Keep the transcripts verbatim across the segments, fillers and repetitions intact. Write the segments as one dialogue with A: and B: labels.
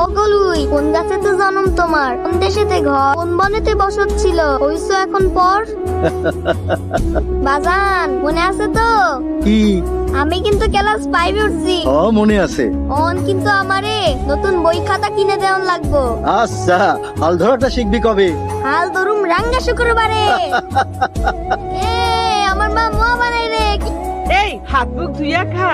A: গলুই, কোন গাছেতে জন্ম তোমার, কোন দেশেতে ঘর, কোন বনেতে বসত ছিল, হইছো এখন পর? বাজান মনে আছে তো?
B: কি?
A: আমি কিন্তু ক্লাস ফাইভে উঠছি।
B: ও মনে আছে।
A: অন কিন্তু আমারে নতুন বই খাতা কিনে দেওয়ান লাগবো।
B: আচ্ছা, হাল ধরাটা শিখবি কবে?
A: হাল ধরুম রাঙ্গা শুক্রবারে। এ আমার মা মোয়া বানাই রে।
C: এই হাত মুখ ধুইয়া খা।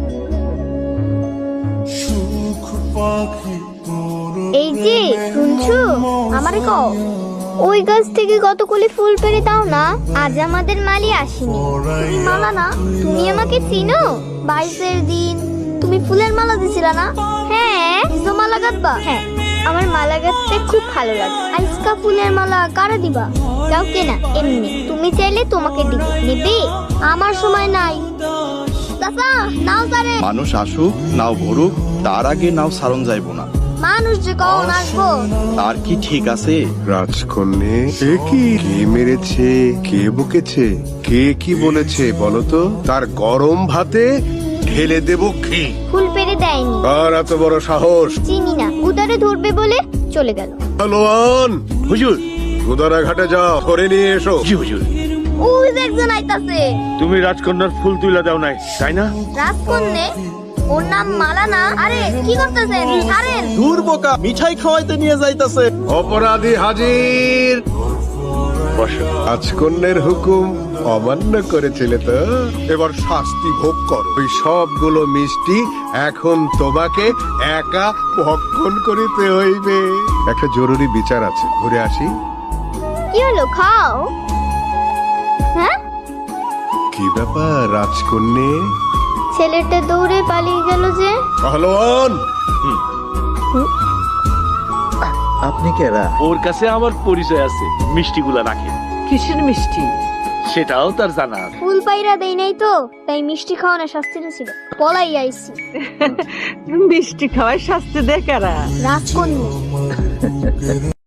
A: এই যে শুনছো, আমারে কও ওই গাছ থেকে কতগুলি ফুল পেড়ে দাও না, আজ আমাদের মালি আসেনি। তুমি মালা না, তুমি আমাকে চিনো? বাইশের দিন তুমি ফুলের মালা দিছিলা না? হ্যাঁ, নিজো মালা গাঁথবা? হ্যাঁ, আমার মালা গাঁথতে খুব ভালো লাগে। আজকা ফুলের মালা কারে দিবা? কাউকে না, এমনি তুমি চাইলে তোমাকে দিব। নেবে? আমার সময় নাই। চাচা নাও তারে।
D: মানুষ আসুক নাও ভরুক, তার আগে নাও সারণ যাইব না।
A: মানুষ যে কখন আসবো?
D: তার কি ঠিক আছে?
E: রাজকন্যে, এ কি? কে মেরেছে, কে বকেছে, কে কি বলেছে বলো তো? তার গরম ভাতে ঢেলে দেব কি?
A: ফুল পেড়ে দেয়নি।
E: আর এত বড় সাহস!
A: চিনি না, উদারে ধরবে বলে চলে গেল।
E: পালোয়ান,
F: হুজুর।
E: গুদারা ঘাটে যাও, ধরে নিয়ে এসো।
F: জি হুজুর।
A: ওই যে একজন আইতাছে।
F: তুমি রাজকন্যার ফুল তুইলা দাও নাই, তাই না?
A: রাজকন্যে? ওর নাম মালা না? আরে কি করতেছেন? ছাড়েন।
B: দূর বোকা, মিঠাই খাওয়াইতে নিয়ে যাইতাছে।
E: অপরাধী হাজির।
F: বসো।
E: রাজকন্যের হুকুম অমান্য করেছিলে তো, এবার শাস্তি ভোগ করো। ওই সবগুলো মিষ্টি এখন তোমাকে একা ভক্ষণ করিতে হইবে। একটা জরুরি বিচার আছে, ঘুরে আসি।
A: কি হলো, খাও। হ্যাঁ,
E: কি ব্যাপার রাজকন্যে?
A: ছেলেটা দৌড়ে পালিয়ে গেল যে।
E: পাহলোয়ান,
B: আপনি কেরা?
F: ওর কাছে আমার পরিচয় আছে, মিষ্টিগুলা রাখে।
C: কিসের মিষ্টি?
F: সেটাও তার জানা আছে।
A: ফুল পাইরা দেই নাই তো, তাই মিষ্টি খাওয়ানোর শাস্তিটা ছিল। পলাই আইছি।
C: মিষ্টি খাওয়ায় শাস্তি দেয় কারা?
A: রাজকন্যা।